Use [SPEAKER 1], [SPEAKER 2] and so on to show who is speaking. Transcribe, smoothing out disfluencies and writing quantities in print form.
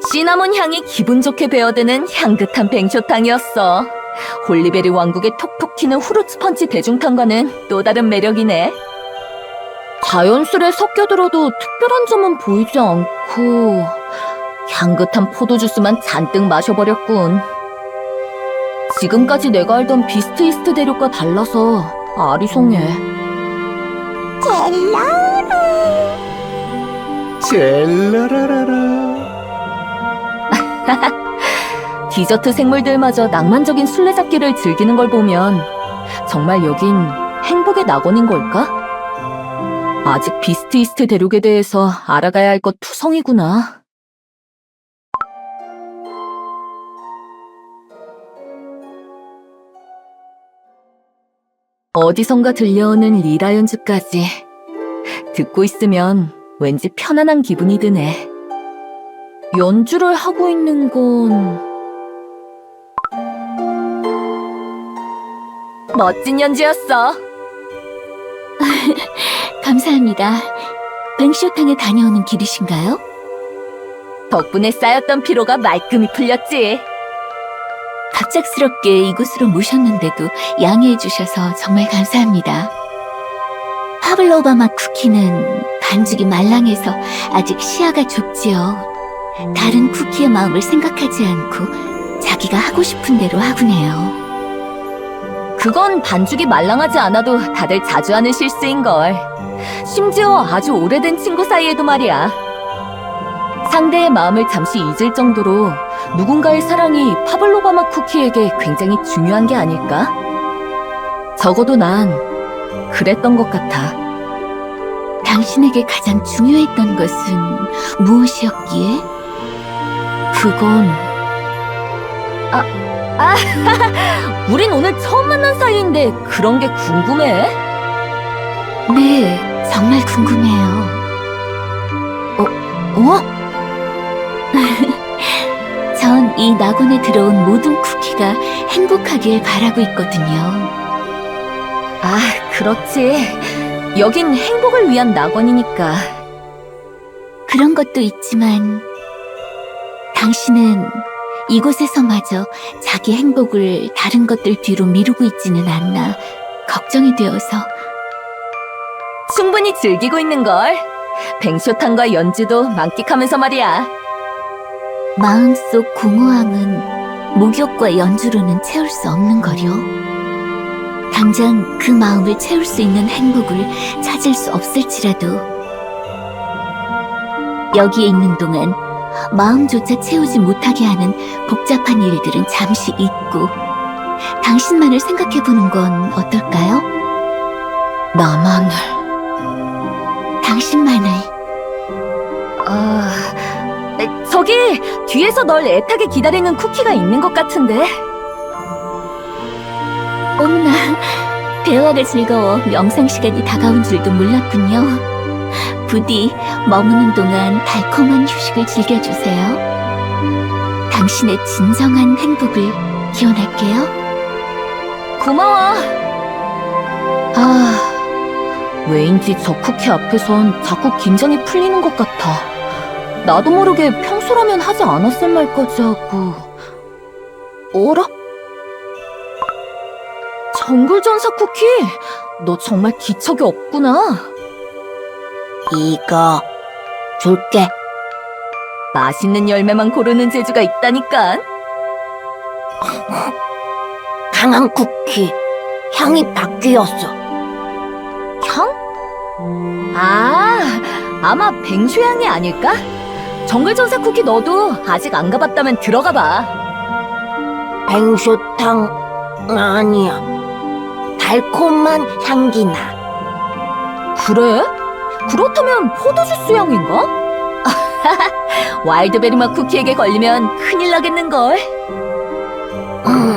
[SPEAKER 1] 시나몬 향이 기분 좋게 배어드는 향긋한 뱅쇼탕이었어. 홀리베리 왕국의 톡톡 튀는 후르츠 펀치 대중탕과는 또 다른 매력이네. 자연스레 섞여들어도 특별한 점은 보이지 않고 향긋한 포도주스만 잔뜩 마셔버렸군. 지금까지 내가 알던 비스트 이스트 대륙과 달라서 아리송해.
[SPEAKER 2] 젤라라라라.
[SPEAKER 1] 디저트 생물들마저 낭만적인 술래잡기를 즐기는 걸 보면 정말 여긴 행복의 낙원인 걸까? 아직 비스트 이스트 대륙에 대해서 알아가야 할 것 투성이구나. 어디선가 들려오는 리라 연주까지 듣고 있으면 왠지 편안한 기분이 드네. 연주를 하고 있는 건 멋진 연주였어.
[SPEAKER 3] 감사합니다. 뱅쇼탕에 다녀오는 길이신가요?
[SPEAKER 1] 덕분에 쌓였던 피로가 말끔히 풀렸지.
[SPEAKER 3] 갑작스럽게 이곳으로 모셨는데도 양해해 주셔서 정말 감사합니다. 파블로바 맛 쿠키는 반죽이 말랑해서 아직 시야가 좁지요. 다른 쿠키의 마음을 생각하지 않고 자기가 하고 싶은 대로 하곤 해요.
[SPEAKER 1] 그건 반죽이 말랑하지 않아도 다들 자주 하는 실수인걸. 심지어 아주 오래된 친구 사이에도 말이야. 상대의 마음을 잠시 잊을 정도로 누군가의 사랑이 파블로바 맛 쿠키에게 굉장히 중요한 게 아닐까? 적어도 난 그랬던 것 같아.
[SPEAKER 3] 당신에게 가장 중요했던 것은 무엇이었기에?
[SPEAKER 1] 그건 우린 오늘 처음 만난 사이인데 그런 게 궁금해?
[SPEAKER 3] 네, 정말 궁금해요. 전 이 낙원에 들어온 모든 쿠키가 행복하길 바라고 있거든요.
[SPEAKER 1] 아, 그렇지. 여긴 행복을 위한 낙원이니까.
[SPEAKER 3] 그런 것도 있지만 당신은 이곳에서마저 자기 행복을 다른 것들 뒤로 미루고 있지는 않나 걱정이 되어서.
[SPEAKER 1] 충분히 즐기고 있는걸. 뱅쇼탕과 연주도 만끽하면서 말이야.
[SPEAKER 3] 마음속 공허함은 목욕과 연주로는 채울 수 없는 거려. 당장 그 마음을 채울 수 있는 행복을 찾을 수 없을지라도 여기에 있는 동안 마음조차 채우지 못하게 하는 복잡한 일들은 잠시 잊고 당신만을 생각해보는 건 어떨까요?
[SPEAKER 1] 나만을.
[SPEAKER 3] 당신만을.
[SPEAKER 1] 저기 뒤에서 널 애타게 기다리는 쿠키가 있는 것 같은데.
[SPEAKER 3] 어머나, 대화가 즐거워 명상 시간이 다가온 줄도 몰랐군요. 부디 머무는 동안 달콤한 휴식을 즐겨주세요. 당신의 진정한 행복을 기원할게요.
[SPEAKER 1] 고마워. 왜인지 저 쿠키 앞에선 자꾸 긴장이 풀리는 것 같아. 나도 모르게 평소라면 하지 않았을 말까지 하고. 어라? 정글전사 쿠키, 너 정말 기척이 없구나.
[SPEAKER 3] 이거 줄게.
[SPEAKER 1] 맛있는 열매만 고르는 재주가 있다니까.
[SPEAKER 3] 강한 쿠키, 향이 바뀌었어.
[SPEAKER 1] 향? 아마 뱅쇼향이 아닐까? 정글전사 쿠키 너도 아직 안 가봤다면 들어가 봐.
[SPEAKER 3] 뱅쇼탕 아니야. 달콤한 향기 나.
[SPEAKER 1] 그래? 그렇다면 포도주스 향인가? 와일드베리 맛 쿠키에게 걸리면 큰일 나겠는걸.